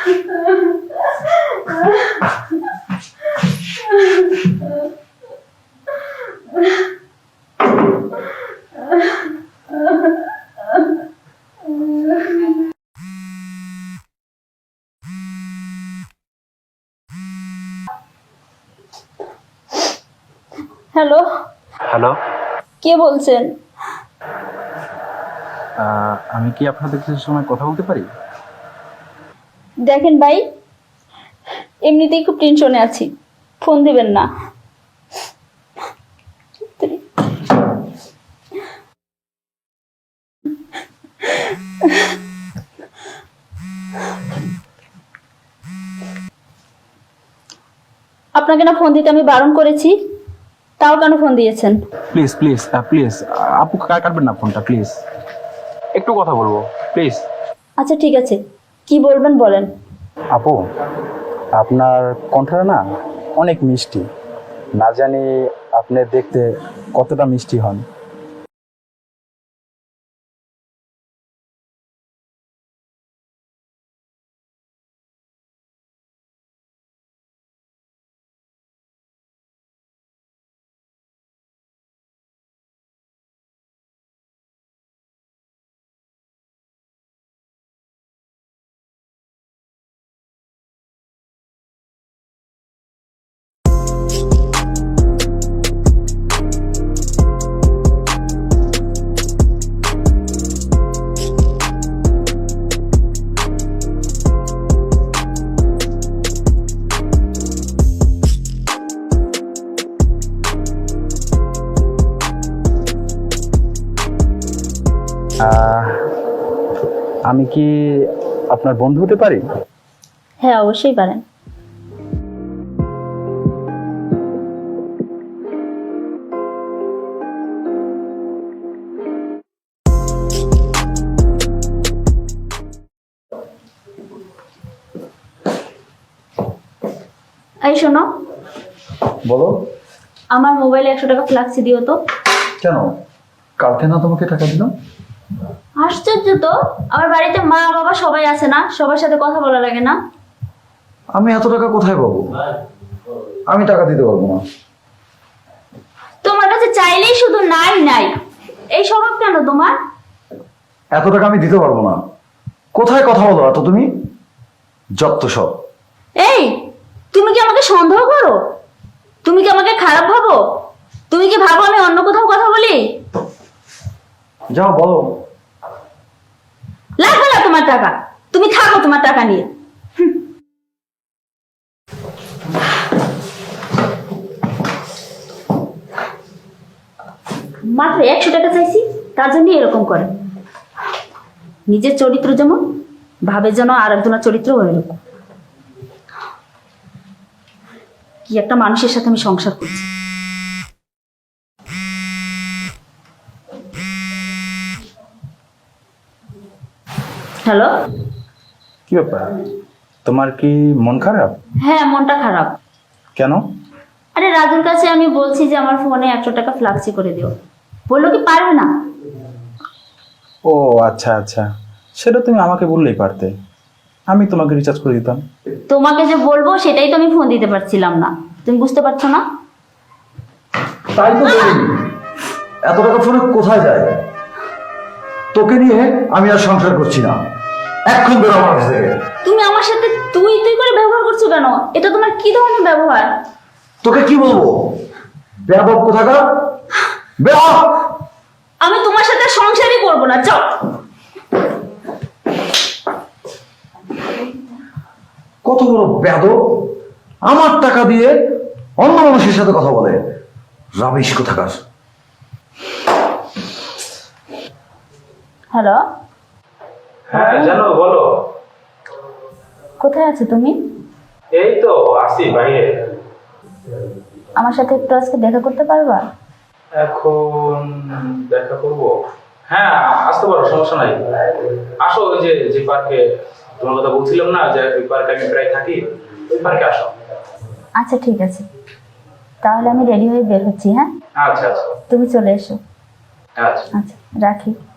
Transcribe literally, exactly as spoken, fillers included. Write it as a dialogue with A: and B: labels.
A: Hello
B: hello,
A: কে বলছেন?
B: আমি কি আপনাদের কিছু সময় কথা বলতে পারি?
A: দেখেন ভাই, এমনিতেই খুব টেনশনে আছি, ফোন দিবেন না। আপনাকে না ফোন দিতে আমি বারণ করেছি, তাও কেন ফোন দিয়েছেন?
B: প্লিজ প্লিজ প্লিজ আপু, কাটবেন না ফোনটা প্লিজ, একটু কথা বলবো প্লিজ।
A: আচ্ছা ঠিক আছে, কি বলবেন বলেন।
B: আপু, আপনার কণ্ঠটা না অনেক মিষ্টি, না জানি আপনি দেখতে কতটা মিষ্টি হন। আমি কি আপনার বন্ধু হতে পারি?
A: হ্যাঁ অবশ্যই পারেন। এই শোনো,
C: বলো।
A: আমার মোবাইলে একশো টাকা ফ্লাক্সি দিও তো।
C: কেন, কালকে না তোমাকে টাকা দিলাম?
A: আশ্চর্য তো, আমার বাড়িতে মা বাবা সবাই আছে না, সবার সাথে কথা বলা লাগে না?
C: আমি এত টাকা কোথায় পাবো? আমি টাকা দিতে পারবো না।
A: তোমার কাছে চাইলেই শুধু নাই নাই, এই স্বভাব কেন তোমার?
C: এত টাকা আমি দিতে পারবো না। কোথায় কথা বলো এত তুমি? যত সব।
A: এই, তুমি কি আমাকে সন্দেহ করো? তুমি কি আমাকে খারাপ ভাবো? তুমি কি ভাবো আমি অন্য কোথাও কথা বলি?
C: যাও বলো।
A: লাগবে না তোমার টাকা, তুমি থাকো তোমার টাকা নিয়ে। মাত্র একশো টাকা চাইছি, তার জন্য এরকম করে। নিজের চরিত্র যেমন, ভাবে যেন আর একজনের চরিত্র ওইরকম। কি একটা মানুষের সাথে আমি সংসার করছি। হ্যালো,
B: কি ব্যাপার, তোমার কি মন খারাপ?
A: হ্যাঁ মনটা খারাপ।
B: কেন?
A: আরে রাজুর কাছে আমি বলছি যে আমার ফোনে একশো টাকা ফ্লাক্সি করে দিও, বললো কি পারবে না।
B: ও আচ্ছা আচ্ছা, সেটা তুমি আমাকে বললেই পারতে, আমি তোমাকে রিচার্জ করে দিতাম।
A: তোমাকে যে বলবো সেটাই তো আমি ফোন দিতে পারছিলাম না, তুমি বুঝতে পারছো না?
C: তাই তো বলিনি। এত টাকা ফোনে কোথায় যায়? তোকে নিয়ে আমি আর সংসার করছি না, এক্ষুন বেরো আমার কাছ থেকে।
A: তুমি আমার সাথে তুই তুই করে ব্যবহার করছো কেন? এটা তোমার কি ধরনের ব্যবহার?
C: তোকে কি বলবো? বেয়াদব কোথাকার, বের হ।
A: আমি তোমার সাথে সংসারই করবো না, চল।
C: কত বড় বেয়াদব, আমার টাকা দিয়ে অন্য মানুষের সাথে কথা বলে। রাবিশ কোথাকার।
A: হ্যালো,
D: হ্যাঁ জানো, বলো।
A: কোথায় আছো তুমি?
D: এই তো আসি বাইরে।
A: আমার সাথে একটু আজকে দেখা করতে পারবা?
D: এখন দেখা করব? হ্যাঁ আসতে পারো, সমস্যা নাই। আসো, ওই যে যে পার্কে তোমার কথা বলছিলাম না, যে ওই পার্কে আমি প্রায় থাকি, ওই পার্কে আসো।
A: আচ্ছা ঠিক আছে, তাহলে আমি রেডি হয়ে বের হচ্ছি। হ্যাঁ
D: আচ্ছা আচ্ছা
A: তুমি চলে এসো।
D: আচ্ছা।
A: আচ্ছা রাখি।